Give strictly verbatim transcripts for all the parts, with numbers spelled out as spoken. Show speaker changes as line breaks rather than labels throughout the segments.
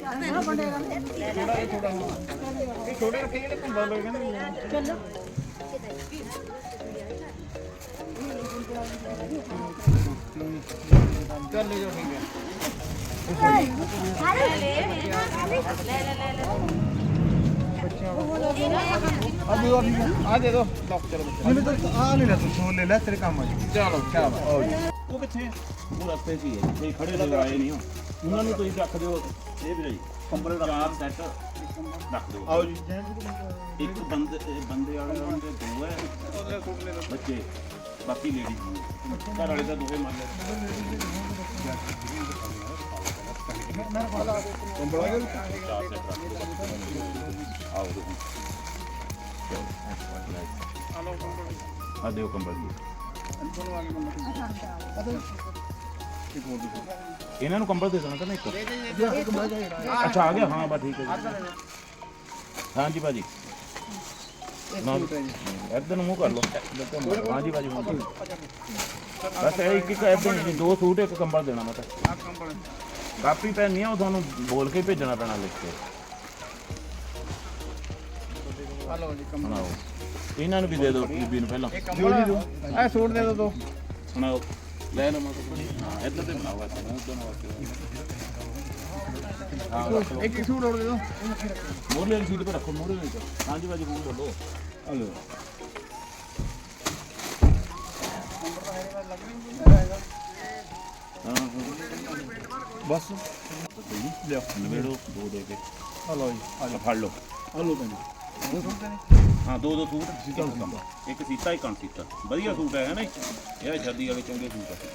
ਛੋਟੇ ਰੱਖੇ ਜਿਹੜੇ ਘੁੰਮਾ ਲੋਕ ਕਹਿੰਦੇ ਚਲੋ ਚੱਲ ਲੈ ਜਾਓ ਠੀਕ ਹੈ ਲੈ ਲੈ ਲੈ ਲੈ अभी और आ दे दो लॉक चलो नहीं तो आ नहीं ले तू छोड़ ले ले तेरे काम आ चलो क्या वो किथे वो रास्ते से है ये खड़े लोग आए नहीं हो ਉਹਨਾਂ ਨੂੰ ਤੁਸੀਂ ਰੱਖ ਦਿਓ ਇਹ ਵੀ ਲਈ ਕੰਬਲ ਚਾਰ ਸੈੱਟ ਰੱਖ ਦਿਓ ਆਓ ਜੀ ਇੱਕ ਬੰਦੇ ਬੰਦੇ ਵਾਲੇ ਦੇ ਦੋ ਹੈ ਬੱਚੇ ਬਾਕੀ ਲੇਡੀ ਘਰ ਵਾਲੇ ਦਾ ਦੋਵੇਂ ਮੰਨ ਲੈ ਕੰਬਲ ਆ ਗਿਆ ਚਾਰ ਸੈੱਟ ਰੱਖ ਦਿਓ आओ आ दो कंबल इन्होंने कंबल दे देना करना एक अच्छा आ गया हाँ बस ठीक है हाँ जी भाजी इधर मुँह कर लो हाँ जी भाजी बस एक एक दो सूट एक कंबल देना मतलब कापी पेन नहीं है वो थानू बोल के भेजना पैना लिख के हेलो जी बनाओ इन्हां नु भी दे दो बीबी नु पहला जो जी दो ए सूट दे दो दो सुनाओ ले लो मत हां इधर से बनाओ ऐसा दोनों वास्ते हां एक एक सूट और दे दो मोर ले सीट पे रखो मोर ले हां जी बाजी फोन कर लो हेलो हां बस ले नवेड़ो दो दे के हेलो जी आ फड़ लो हेलो भैन हाँ दो दो सूट एक सीता एक अणसीता वधिया सूट है ना ये सर्दी वाले चंगे सूट है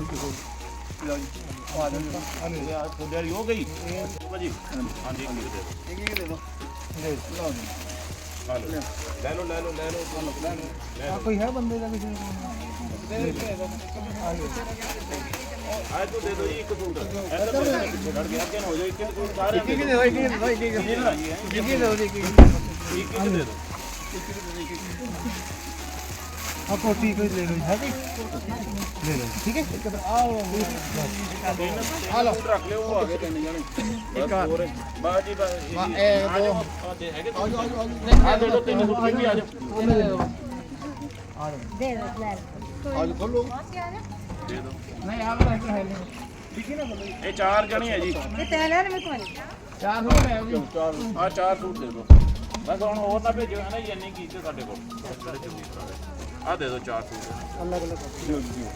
हो गई भाजी हाँ जी दे दो ले लो ले लो ले लो कोई है बंदे का किसी आज तो दे दो एक सूट ऐसा लड़ गया क्या हो जाए एक सूट सारे एक एक दे दो एक एक दे दो एक एक दे दो एक एक एक एक दे दो आप कोटी कोई ले लो है जी ले लो ठीक है आओ आ लो रख ले वो आगे तीन जने एक और बाजी बाजी ए दो दे हैगे आ जाओ आ दे दो तीन सूट भी आ जाओ दे दो आ दे दो ले आज खोलो दे दो नहीं आप रख है ठीक है ना ये चार जने है जी ये तेल है मेरे को चार सूट है जी चार हां चार सूट दे दो बस ਹੁਣ ਹੋਰ ਨਾ ਭੇਜੋ ਹੈ ਨਾ ਜੀ ਇੰਨੀ ਕੀਤੇ ਸਾਡੇ ਕੋਲ ਆ ਦੇ ਦਿਓ ਚਾਰ ਸੂਟ ਅਲੱਗ ਅਲੱਗ ਦਿਓ ਦਿਓ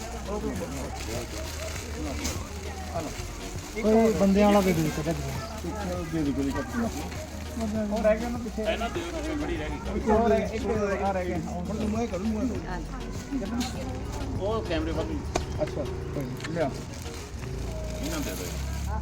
ਕੋਈ ਬੰਦਿਆਂ ਵਾਲਾ ਦੇ ਦਿਓ ਕੱਢ ਦੇ ਦਿਓ ਗੋਲੀ ਕੱਟ ਉਹ ਰਹਿ ਗਿਆ ਨਾ ਪਿੱਛੇ ਇਹਨਾਂ ਦਿਓ ਪਿੱਛੇ ਬੜੀ ਰਹਿ ਗਈ ਹੋਰ ਇੱਕ ਆ ਰਹਿ ਗਿਆ ਹੁਣ ਮੈਂ ਕਰੂੰ ਮੈਂ ਉਹ ਕੈਮਰੇ ਵੱਲ ਅੱਛਾ ਕੋਈ ਲਿਆ ਇਹਨਾਂ ਦੇ ਦਿਓ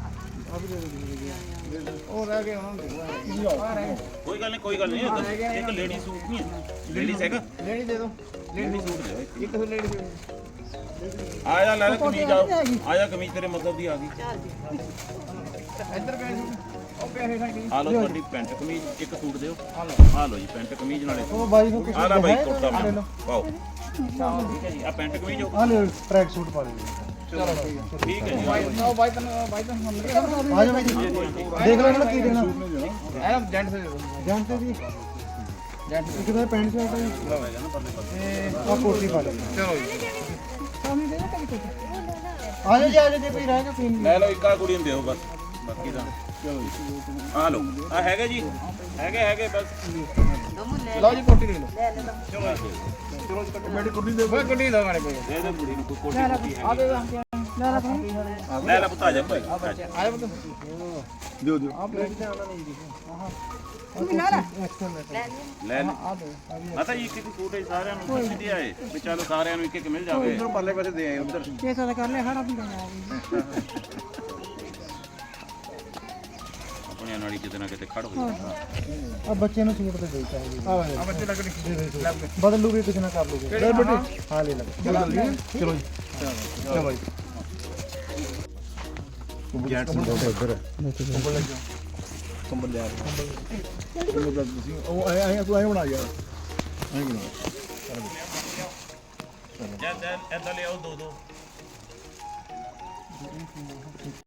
और रह गए कोई गल नहीं कोई गल नहीं एक लेडी सूट नहीं है लेडीज हैगा लेडी दे दो लेडी सूट दे एक तो लेडी आया ले कमीज आओ आया कमीज तेरे मतलब दी आ गई इधर पे ओ पैसे साडी आ लो ਤੁਹਾਡੀ ਪੈਂਟ ਕਮੀਜ਼ ਇੱਕ ਸੂਟ ਦਿਓ ਆ ਲਓ ਆ ਲਓ ਜੀ ਪੈਂਟ ਕਮੀਜ਼ ਨਾਲੇ ਉਹ ਬਾਈ ਨੂੰ ਆ ਲੈ ਬਾਈ ਕੁੜਤਾ ਪਾਓ ਠੀਕ ਹੈ ਜੀ ਆ ਪੈਂਟ ਕਮੀਜ਼ ਆ ਲੈ ਟਰੈਕ ਸੂਟ ਪਾ ਦਿਓ चलो ठीक है जी भाई भाई तन भाई तन हम आ जाओ भाई जी देख लो ना की देना ए जेंट से जेंट से जी जेंट एक तो पैंट शर्ट है लो है ना परले पर ए और कोटी पा लो चलो जी सामने दे ना कभी कोटी आ जाओ जी आ जाओ कोई रहेगा कोई ले लो एक कुड़ी में देओ बस बाकी दा चलो जी आ लो आ हैगा जी हैगे हैगे बस लो जी कोटी ले लो चलो चलो मेरी कुड़ी दे भाई कुड़ी दो मारे दे दे कुड़ी को कोटी आ दे ले ले ले पुता जा भाई आ जा पुत दो दो आप ले आना नहीं दिखे हां तुम ना ले ले आ दो माता ये किसी सूट है सारे ਨੂੰ ਸਿੱਧੀ ਆਏ ਵੀ ਚਲੋ ਸਾਰਿਆਂ ਨੂੰ ਇੱਕ ਇੱਕ ਮਿਲ ਜਾਵੇ ਉਧਰ ਪਰਲੇ ਪਾਸੇ ਦੇ ਆਏ ਉਧਰ ਛੇ ਸੌ ਦਾ ਕਰ ਲੈ ਖੜਾ ਵੀ ਆਪਣੇ ਨਾਲ ਹੀ ਕਿਤੇ ਨਾ ਕਿਤੇ ਖੜ ਹੋ ਜਾਂਦਾ ਆ ਬੱਚੇ ਨੂੰ ਸੂਟ ਤੇ ਦੇ ਚਾਹੀਦੀ ਆ ਬੱਚੇ ਲੱਗ ਦੇ ਬਦਲ ਲੂਗੇ ਕੁਝ ਨਾ ਕਰ ਲੂਗੇ ਲੈ ਬੇਟੇ ਹਾਂ ਲੈ ਲੈ ਚਲੋ ਜੀ ਚਲੋ ਜੀ ਚਲੋ ਜੀ ਜੈਂਟ ਸੂਟ ਉਧਰ ਕੰਬਲ ਲੈ ਜਾਓ ਕੰਬਲ ਲੈ ਆ ਕੰਬਲ ਤੁਸੀਂ ਉਹ ਆਏ ਆਏ ਤੂੰ ਆਏ ਬਣਾ ਯਾਰ ਆਏ ਬਣਾ ਚਲੋ ਜਦ ਐਦਾਂ ਲੈ ਆਓ ਦੋ ਦੋ